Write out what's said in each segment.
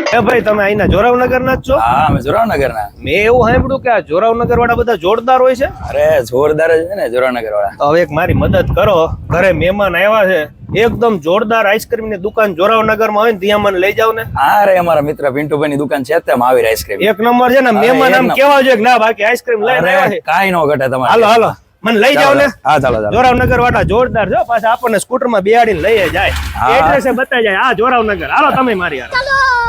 એ ભાઈ તમે અહીંના જોરાવનગર ના જ છો? હા અમે જોરાવનગર ના. મેં એવું સાંભળ્યું કે આ જોરાવનગર વાળા બધા જોરદાર હોય છે. અરે જોરદાર જ છે ને જોરાવનગર વાળા. તો હવે એક મારી મદદ કરો, ઘરે મહેમાન આવ્યા છે, એકદમ જોરદાર આઈસ્ક્રીમ ની દુકાન જોરાવનગર માં હોય ને ત્યાં મને લઈ જાવ ને. અરે અમારા મિત્ર પિન્ટુભાઈ ની દુકાન છે તેમ આવી આઈસ્ક્રીમ એક નંબર છે ને. મહેમાન આમ કેવા જોઈએ કે ના બાકી આઈસ્ક્રીમ લઈને આવ્યા છે. કાઈ નો ઘટે તમારે. હાલો હાલો મને લઈ જાવ ને. હા ચાલો ચાલો. જોરાવનગર વાળા જોરદાર છે, પાછા આપણને સ્કૂટર માં બેહાડીને લઈ જાય, એડ્રેસ બતાવી જાય. આ જોરાવનગર હાલો તમે મારી હારે.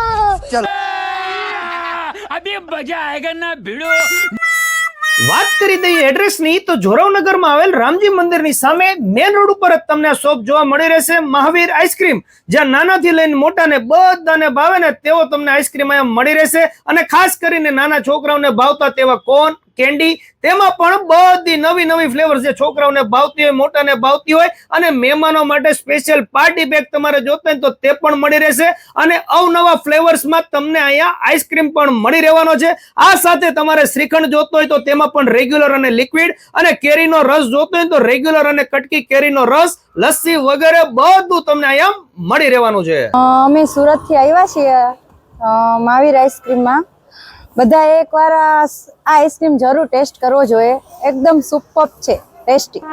अभी मजा आएगा ना भिड़ो. વાત કરી દઈએ એડ્રેસ ની, તો જોરાવનગર માં આવેલ રામજી મંદિર ની સામે મેન રોડ ઉપર જ તમને આ શોપ જોવા મળી રહેશે, મહાવીર આઈસ્ક્રીમ, જ્યાં નાનાથી લઈને મોટાને બધાને ભાવે ને તેવો તમને આઈસ્ક્રીમ અહીંયા મળી રહેશે. અને ખાસ કરીને નાના છોકરાઓને ભાવતા તેવા કોન કેન્ડી, તેમાં પણ બધી નવી નવી ફ્લેવર્સ જે છોકરાઓને ભાવતી હોય, મોટાને ભાવતી હોય, અને મહેમાનો માટે સ્પેશિયલ પાર્ટી પેક તમારે જોતા હોય તો તે પણ મળી રહેશે. અને અવનવા ફ્લેવર્સમાં તમને અહીંયા આઈસ્ક્રીમ પણ મળી રહેવાનો છે. આ સાથે તમારે શ્રીખંડ જોતો હોય તો તેમાં પણ રેગ્યુલર અને લિક્વિડ, અને કેરીનો રસ જોતો હોય તો રેગ્યુલર અને કટકી કેરીનો રસ, લસ્સી વગેરે બધું તમને અહીંયા મળી રહેવાનું છે. અમે સુરત થી આવ્યા છીએ મહાવીર આઈસ્ક્રીમમાં. બધા એકવાર આ આઈસ્ક્રીમ જરૂર ટેસ્ટ કરવો જોઈએ, એકદમ સુપર છે, ટેસ્ટી.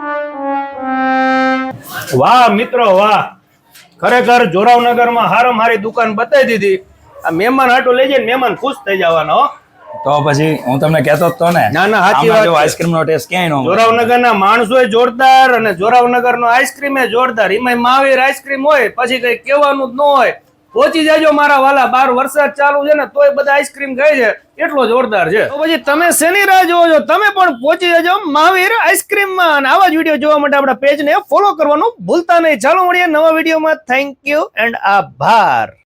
વાહ મિત્રો વાહ, ખરેખર જોરાવનગરમાં હારામાં હારી દુકાન બતાવી દીધી. આ મહેમાન હાટું લઈ જાય, મહેમાન ખુશ થઈ જવાનો. તો પછી હું તમને કહેતો જ તો ને. ના ના સાચી વાત છે. આઈસ્ક્રીમ નો ટેસ્ટ ક્યાંય નો મળે. જોરાવનગરના માણસો જોરદાર અને જોરાવનગર નો આઈસ્ક્રીમ જોરદાર. એમાં મહાવીર આઈસ્ક્રીમ હોય પછી કઈ કહેવાનું જ ન હોય. પહોંચી જાજો મારા વાલા, 12 વરસાદ ચાલુ છે ને તોય બધા આઈસ્ક્રીમ ખાય છે, એટલો જોરદાર છે. તો પછી તમે શેની રાહ જોવો છો? તમે પણ પહોંચી જાજો મહાવીર આઈસ્ક્રીમ માં. અને આવા જ વિડીયો જોવા માટે આપણા પેજ ને ફોલો કરવાનું ભૂલતા નહીં. ચાલો મળીએ નવા વિડીયોમાં. થેન્ક યુ એન્ડ આભાર.